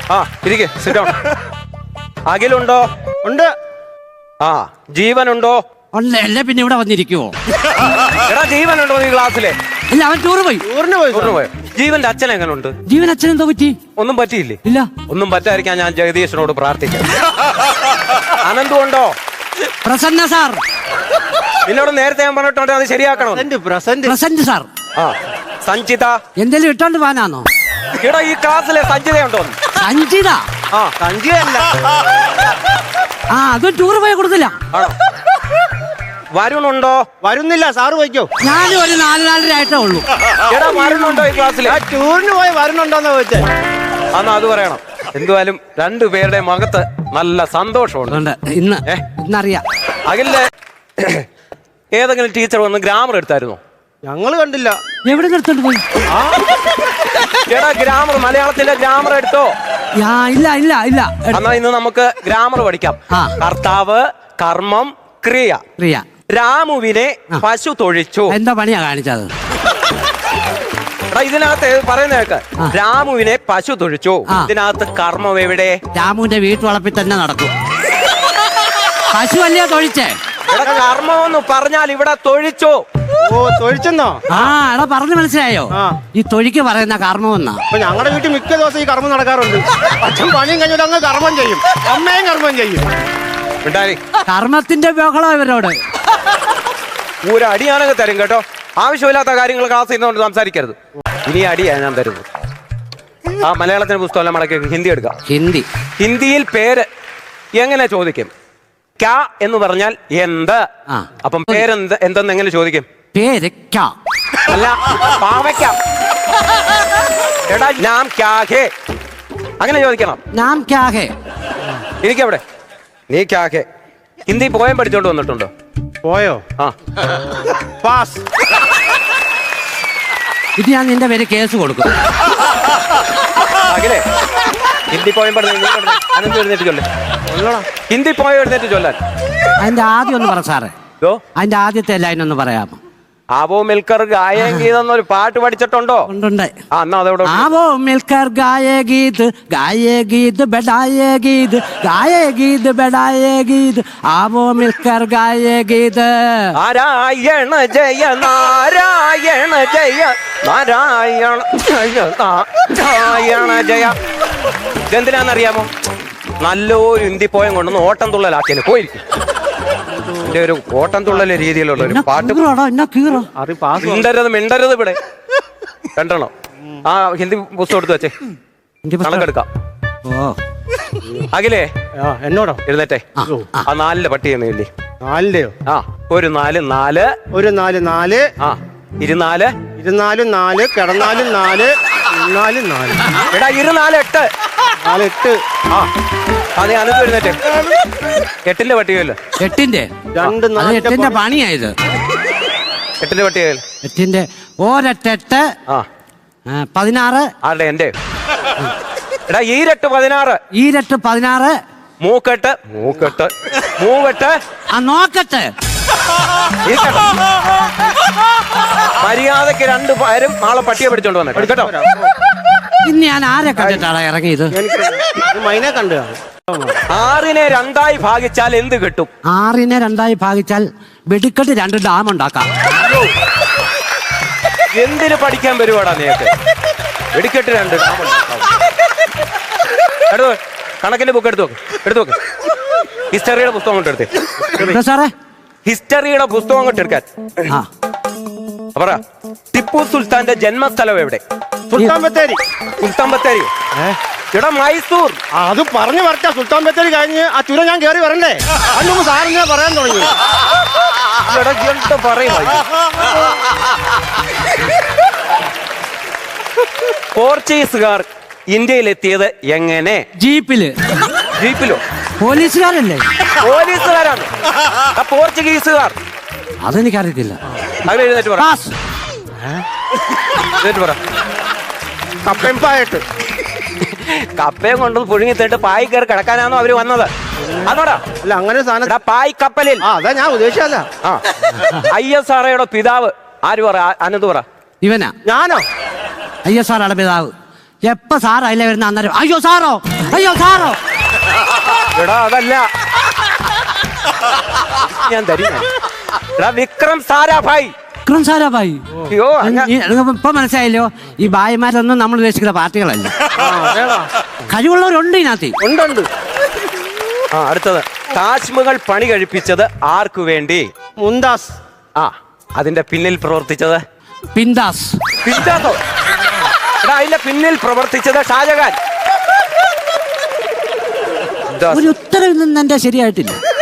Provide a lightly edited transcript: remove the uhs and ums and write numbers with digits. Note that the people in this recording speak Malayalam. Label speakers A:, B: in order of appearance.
A: ആ ഇരിക്കെ, സിറ്റ് ഡൗൺ. അഖിലുണ്ടോ?
B: ഉണ്ട്.
A: ആ ജീവനുണ്ടോ?
C: അല്ലേ പിന്നെ ഇവിടെ വന്നിരിക്കുവോ?
A: എടാ ജീവനുണ്ടോ നീ ക്ലാസ്സിലെ?
C: ഇല്ല, അവൻ ടൂറ് പോയി.
B: ടൂറിന് പോയി.
A: പോയോ? ജീവന്റെ അച്ഛൻ എങ്ങനുണ്ട്?
C: ജീവൻ അച്ഛൻ എന്തോ പറ്റി?
A: ഒന്നും പറ്റിയില്ലേ?
C: ഇല്ല.
A: ഒന്നും പറ്റാതിരിക്കാൻ ഞാൻ ജഗദീശനോട് പ്രാർത്ഥിക്കാം. അനന്തു ഉണ്ടോ?
C: പ്രസന്ന സാർ.
A: നിന്നോട് നേരത്തെ ഞാൻ പറഞ്ഞിട്ടുണ്ട് അത് ശരിയാക്കണം.
C: Present sir.
A: ആ സഞ്ചിത.
C: എന്തേലും ഇട്ടോണ്ട് പോകാനാണോ?
A: എടാ ഈ ക്ലാസ്സിലെ സഞ്ചിതയുണ്ടോ?
C: സഞ്ചിത?
A: ആ സഞ്ചിതയല്ല.
C: ആ അത് ടൂറ് പോയി കൊടുത്തില്ല.
A: ആണോ? വരുണുണ്ടോ?
B: വരുന്നില്ല, സാറ് പോയിക്കോ.
C: ഞാനും ഒരു 4-4.5 ആയിട്ടേ ഉള്ളൂ.
A: എടാ വരുണുണ്ടോ ഈ ക്ലാസ്സിൽ?
B: ടൂറിന് പോയി വരുന്നുണ്ടോന്ന് ചോദിച്ചേ.
A: അന്ന് അത് പറയണം. എന്തുവായാലും രണ്ടുപേരുടെ മുഖത്ത് നല്ല സന്തോഷമുണ്ട്.
C: ഇന്നറിയാം.
A: അഖിലിന്റെ ഏതെങ്കിലും ടീച്ചർ വന്ന് ഗ്രാമർ എടുത്തായിരുന്നോ?
B: ഞങ്ങള് കണ്ടില്ല.
C: എവിടെ എടുത്തോണ്ട് പോയി?
A: എടാ ഗ്രാമർ, മലയാളത്തിലെ ഗ്രാമർ എടുത്തോ?
C: ഇല്ല.
A: എന്നാ ഇന്ന് നമുക്ക് ഗ്രാമർ പഠിക്കാം. കർത്താവ്, കർമ്മം, ക്രിയ. രാമുവിനെ പശു തൊഴിച്ചു.
C: എന്താ പണിയാ കാണിച്ചത്?
A: എടാ ഇതിനകത്ത് പറയുന്ന കേക്ക്. രാമുവിനെ പശു തൊഴിച്ചു. ഇതിനകത്ത് കർമ്മം എവിടെ?
C: രാമുവിന്റെ വീട്ടുവളപ്പിൽ തന്നെ നടക്കും. പശു അല്ലയോ തൊഴിച്ചേ?
A: എടാ കർമ്മം എന്ന് പറഞ്ഞാൽ ഇവിടെ തൊഴിച്ചു.
B: ഓ തൊഴിച്ചെന്നോ?
C: എടാ പറഞ്ഞു മനസ്സിലായോ? ഈ തൊഴിക്ക് പറയുന്ന കർമ്മം എന്നാ.
B: അപ്പൊ ഞങ്ങളുടെ വീട്ടിൽ മിക്ക ദിവസം ഈ കർമ്മം നടക്കാറുണ്ട്. അച്ഛൻ പണിയും കഴിഞ്ഞിട്ട് അങ്ങ് കർമ്മം ചെയ്യും, അമ്മയും കർമ്മം ചെയ്യും.
C: കർമ്മത്തിന്റെ ബഹളം ഇവരോട്.
A: ഒരു അടിയാനൊക്കെ തരും കേട്ടോ. ആവശ്യമില്ലാത്ത കാര്യങ്ങൾ ക്ലാസ് ചെയ്യുന്നതുകൊണ്ട് സംസാരിക്കരുത്. ഇനി അടിയാ ഞാൻ തരുന്നത്. ആ മലയാളത്തിന്റെ പുസ്തകം മടക്കി ഹിന്ദി എടുക്കാം. ഹിന്ദിയിൽ പേര് എങ്ങനെ ചോദിക്കും? ക്യാ എന്ന് പറഞ്ഞാൽ എന്ത്. അപ്പം പേരെന്ത് എന്തെന്ന് എങ്ങനെ ചോദിക്കും?
C: പേര്
A: അല്ല പാവയ്ക്ക. എടാ നാം ക്യാ ഹേ അങ്ങനെ ചോദിക്കണം.
C: നാം ക്യാ ഹേ.
A: ഇരിക്കവിടെ. നീ ക്യാ ഹേ ഹിന്ദി പോയം പഠിച്ചോണ്ട് വന്നിട്ടുണ്ടോ?
B: പോയോ?
A: ആ
B: പാസ്.
C: ഇത് ഞാൻ നിന്റെ പേര് കേസ് കൊടുക്കും.
A: അഖിലേ ഹിന്ദി പോയം പഠിച്ചു എഴുന്നേറ്റ് ചൊല്ലേ. ഹിന്ദി പോയം എഴുന്നേറ്റ് ചൊല്ലാൻ.
C: അതിന്റെ ആദ്യം ഒന്ന് പറ സാറേ. അതിന്റെ ആദ്യത്തെ ലൈൻ ഒന്ന് പറയാമോ?
A: ആവോ മിൽക്കർ ഗായേ ഗീത് എന്നൊരു പാട്ട് പഠിച്ചിട്ടുണ്ടോ?
C: ഉണ്ട്.
A: ആവോ
C: മിൽക്കർ ഗായേ ഗീത്, ഗായേ ഗീത് ബഡായേ ഗീത്, ഗായേ ഗീത് ബഡായേ ഗീത്, ആവോ മിൽക്കർ ഗായേ ഗീത്.
A: നാരായണ ജയ നാരായണ ജയ നാരായണ ജയ നാരായണ ജയ. ഇതെന്തിനാന്നറിയാമോ? നല്ലൊരു ഹിന്ദി പോയം കൊണ്ടൊന്ന് ഓട്ടം തുള്ളലാക്കിയാണ് പോയിരിക്കും. എന്റെ ഒരു ഓട്ടം തുള്ളൽ രീതിയിലുള്ള ഒരു പാട്ട്. മിണ്ടരുത് ഇവിടെ. രണ്ടെണ്ണം. ആ ഹിന്ദി പുസ്തകം എടുത്ത് വെച്ചേ, കണക്കെടുക്കാം. അഖിലേ
B: എന്നോടോ?
A: എഴുന്നേറ്റേ. ആ 4 പട്ടിയെന്ന് ഇല്ലേ?
B: 4യോ?
A: ആ ഒരു 4 4
B: ഒരു 4 4.
A: ആ 24
B: 24 4 കിടന്നാലും 4 4 4.
A: എടാ 24 8
B: 4 8.
A: ആ അതെ അനന്ത് എഴുന്നേറ്റേ. 8ന്റെ പട്ടികയല്ലോ.
C: 8ന്റെ
B: 2 4
C: 8ന്റെ പണിയായത്.
A: 8ന്റെ പട്ടികയിൽ
C: 8ന്റെ ഒരെട്ട്.
A: ആ
C: 16.
A: ആരുടെ? എന്റെ. എടാ ഈരട്ട് 16.
C: ഈരട്ട് 16.
A: മൂക്കെട്ട് മൂക്കെട്ട് മൂവെട്ട്.
C: ആ നോക്കട്ടെ.
A: മര്യാദക്ക് 2 പേരും നാളെ പട്ടിയെ പിടിച്ചോണ്ട് വന്നേ കേട്ടോ.
C: ഇന്ന് ഞാൻ ആരെ കണ്ടിട്ടാണ് ഇറങ്ങിയത്?
B: മൈനെ കണ്ടു.
A: 6നെ 2ആയി ഭാഗിച്ചാൽ എന്ത് കിട്ടും?
C: 6നെ 2ആയി ഭാഗിച്ചാൽ വെടിക്കെട്ട് 2 ഡാം ഉണ്ടാക്കാം.
A: എന്തിന് പഠിക്കാൻ വരുവാടാ നീക്ക്? വെടിക്കെട്ട് 2 ഡാം ഉണ്ടാക്കാം. എടുത്തു കണക്കിന്റെ ബുക്ക് എടുത്തു നോക്ക്. ഹിസ്റ്ററിയുടെ പുസ്തകം കൊണ്ട് എടുത്തേ
C: സാറേ.
A: ഹിസ്റ്ററിയുടെ പുസ്തകം കൊണ്ട് എടുക്കാൻ. പറ ടിപ്പു സുൽത്താന്റെ ജന്മസ്ഥലം എവിടെ?
B: സുൽത്താൻ ബത്തേരി.
A: സുൽത്താൻ ബത്തേരി എടാ മൈസൂർ.
B: അത് പറഞ്ഞു വരട്ടെ. സുൽത്താൻ ബത്തേരി കഴിഞ്ഞ് ആ ചുരം ഞാൻ കയറി വരണ്ടേ? അന്ന് സാറിനെ പറയാൻ തുടങ്ങി.
A: പോർച്ചുഗീസുകാർ ഇന്ത്യയിലെത്തിയത് എങ്ങനെ? ജീപ്പിലോ?
C: പോലീസുകാരല്ലേ?
A: പോലീസുകാരാണ് പോർച്ചുഗീസുകാർ.
C: അതെനിക്കറിയത്തില്ല.
A: അങ്ങനെ എഴുന്നേറ്റ് പറ. കപ്പയും കൊണ്ട് പുഴുങ്ങി തേട്ട് പായി കയറി കിടക്കാനാണോ അവര് വന്നത്? അതോടാ
B: അല്ല അങ്ങനെ സാധനം
A: പായ് കപ്പലിൽ.
B: അതാ ഞാൻ ഉദ്ദേശിച്ചല്ല.
A: ISROയുടെ പിതാവ് ആര്? പറ അനന്ത് പറ.
C: ഇവനാ?
B: ഞാനോ?
C: ISROയുടെ പിതാവ് എപ്പോ സാറോ അല്ലേ വരുന്ന അന്നേരം അയ്യോ സാറോ
A: എടാ അതല്ല, ഞാൻ തരും. എടാ വിക്രം സാരാഭായ്.
C: വിക്രം സാരാഭായി.
A: അയ്യോ
C: ഇപ്പൊ മനസ്സിലായല്ലോ, ഈ ഭായിമാരൊന്നും നമ്മൾ ഉദ്ദേശിക്കുന്ന പാർട്ടികളല്ല. കഴിവുള്ളവരുണ്ട് ഇതിനകത്ത്.
B: ഉണ്ട്.
A: അടുത്തത്, താജ്മഹൽ പണി കഴിപ്പിച്ചത് ആർക്കു വേണ്ടി?
B: മുംതാസ്.
A: അതിന്റെ പിന്നിൽ പ്രവർത്തിച്ചത്?
C: പിന്താസ്.
A: പിന്താസോ? എടാ അതിന്റെ പിന്നിൽ പ്രവർത്തിച്ചത് ഷാജഹാൻ.
C: ഒരു ഉത്തരവിൽ നിന്ന് എന്റെ ശരിയായിട്ടില്ല.